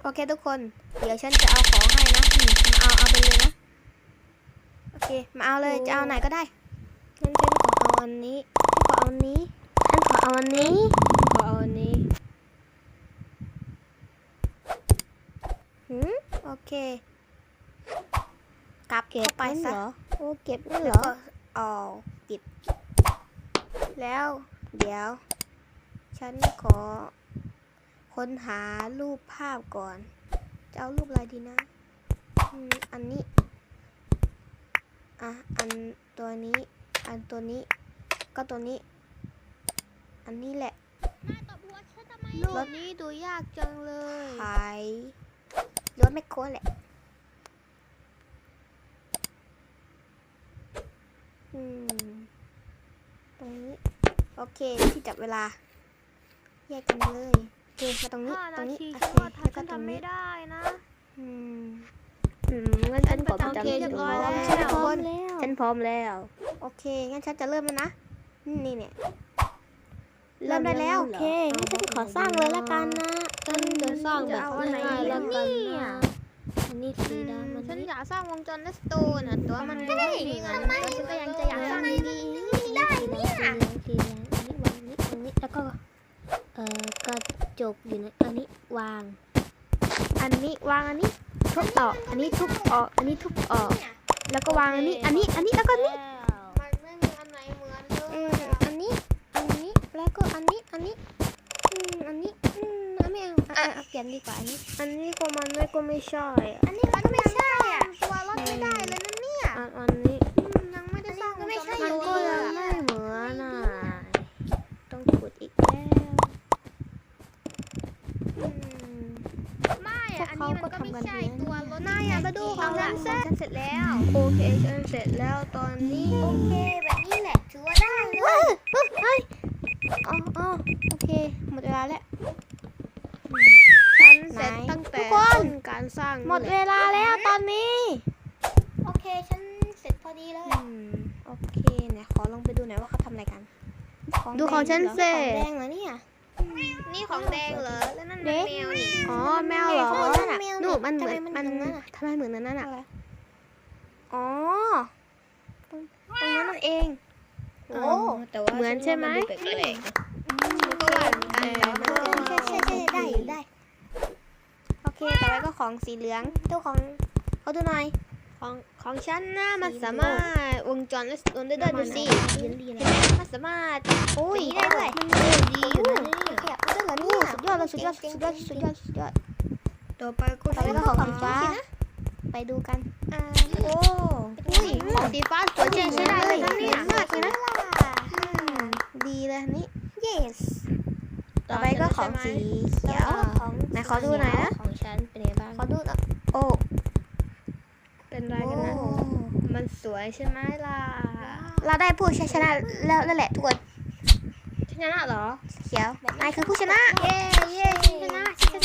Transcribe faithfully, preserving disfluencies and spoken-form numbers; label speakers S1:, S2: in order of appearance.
S1: เคทุกคนเดี๋ยวฉันจะเอาของให้นะมาเอาเอาไปเลยนะโอเคมาเอาเลยจะเอาไหนก็ได้งั้นฉันขอเอาอันนี้ฉันขอเอาอันนี้ฉันขอเอาอันนี้ขอเอาอันนี้หืมโอเคกลับเข้าไปซะโอ้เก็บนี่เหรออ๋อปิดแล้วเดี๋ยวฉันขอค้นหารูปภาพก่อนจะเอารูปอะไรดีนะอืมอันนี้อ่ะอันตัวนี้อันตัวนี้ก็ตัวนี้อันนี้แหละรถนี้ดูยากจังเลยขายรถแมคโครแหละอืมตรงนี้โอเคที่จับเวลาแยกกันเลยโอเคมาตรงนี้ตรงนี้โอเคแล้วก็ตรงนี้ได้นะอืมอืมงั้นฉันขอประจำที่เรียบร้อยแล้วฉันพร้อมแล้วฉันพร้อมแล้วโอเคงั้นฉันจะเริ่มแล้วนะนี่เนี่ยเริ่มได้แล้วโอเคงั้นฉันขอสร้างเลยละกันนะฉันจะสร้างแบบง่ายๆแล้วกันนะอันนี้สีดำมันฉันอยากสร้างวงจรเลสโตนอ่ะตัวมันไม่มีเงินแล้วฉันก็ยังจะอยากสร้างดีๆได้เนี่ยสีเหลืองอันนี้วางนี้ตรงนี้แล้วก็เอ่อกระจกอยู่ในอันนี้วางอันนี้วางอันนี้ทุบออกอันนี้ทุบออกอันนี้ทุบออกแล้วก็วางอันนี้อันนี้อันนี้แล้วก็นี้มันไม่มีอันไหนเหมือนเลยอันนี้อันนี้แล้วก็อันนี้อันนี้อืมอันนี้อืมไม่เอาอ่ะเปลี่ยนดีกว่าอันนี้อันนี้ก็มันไม่ก็ไม่ใช่อันนี้มันไม่ใช่อ่ะตัวรถไม่ได้เลยนะเนี่ยอันนี้ยังไม่ได้สร้างไม่ใช่มันก็ยังไม่เหมือนอ่ะต้องขุดอีกแล้วไม่อ่ะอันนี้มันก็ไม่ใช่ตัวรถนายอ่ะมาดูของฉันเสร็จเสร็จแล้วโอเคฉันเสร็จแล้วตอนนี้โอเคแบบนี้แหละถือว่าได้เลยเฮ้ยอ๋ออ๋อโอเคหมดเวลาแล้วฉันเสร็จตั้งแต่ต้นการสร้างหมดเวลาแล้วตอนนี้โอเคฉันเสร็จพอดีเลยโอเคไหนขอลองไปดูหน่อยว่าเขาทำอะไรกันดูของฉันเสร็จของแดงเหรอเนี่ยนี่ของแดงเหรอแล้วนั่นแมวนี่อ๋อแมวเหรอหนูมันเหมือนมันทำไมเหมือนนั้นน่ะอ๋อตรงนั้นนั่นเองโอ้เหมือนใช่ไหมก็หวานกันแล้วนะใช่ใช่ใช่ได้ได้โอเคต่อไปก็ของสีเหลืองตัวของเขาดูหน่อยของของฉันนะมันสามารถวงจรและสโตนได้ด้วยดูสิเห็นไหมมันสามารถโอ้ยได้ด้วยมันดีอยู่นะนี่ขยับได้เหรอเนี่ยสุดยอดเลยสุดยอดสุดยอดสุดยอดสุดยอดต่อไปก็ต่อไปก็ของสีฟ้าไปดูกันอ่าโอ้อุ้ยของสีฟ้าสวยจริงใช้ได้เลยนะเนี่ยมากเลยนะดีเลยนี่ yes ต่อไปก็ของสีเขียวไหนขอดูหน่อยนะของฉันเป็นไงบ้างขอดูนะโอ้เป็นไรกันนะมันสวยใช่ไหมล่ะเราได้ผู้ชนะแล้วแล้วแหละทุกคนชนะเหรอเขียวนายคือผู้ชนะเย้เย้ชนะช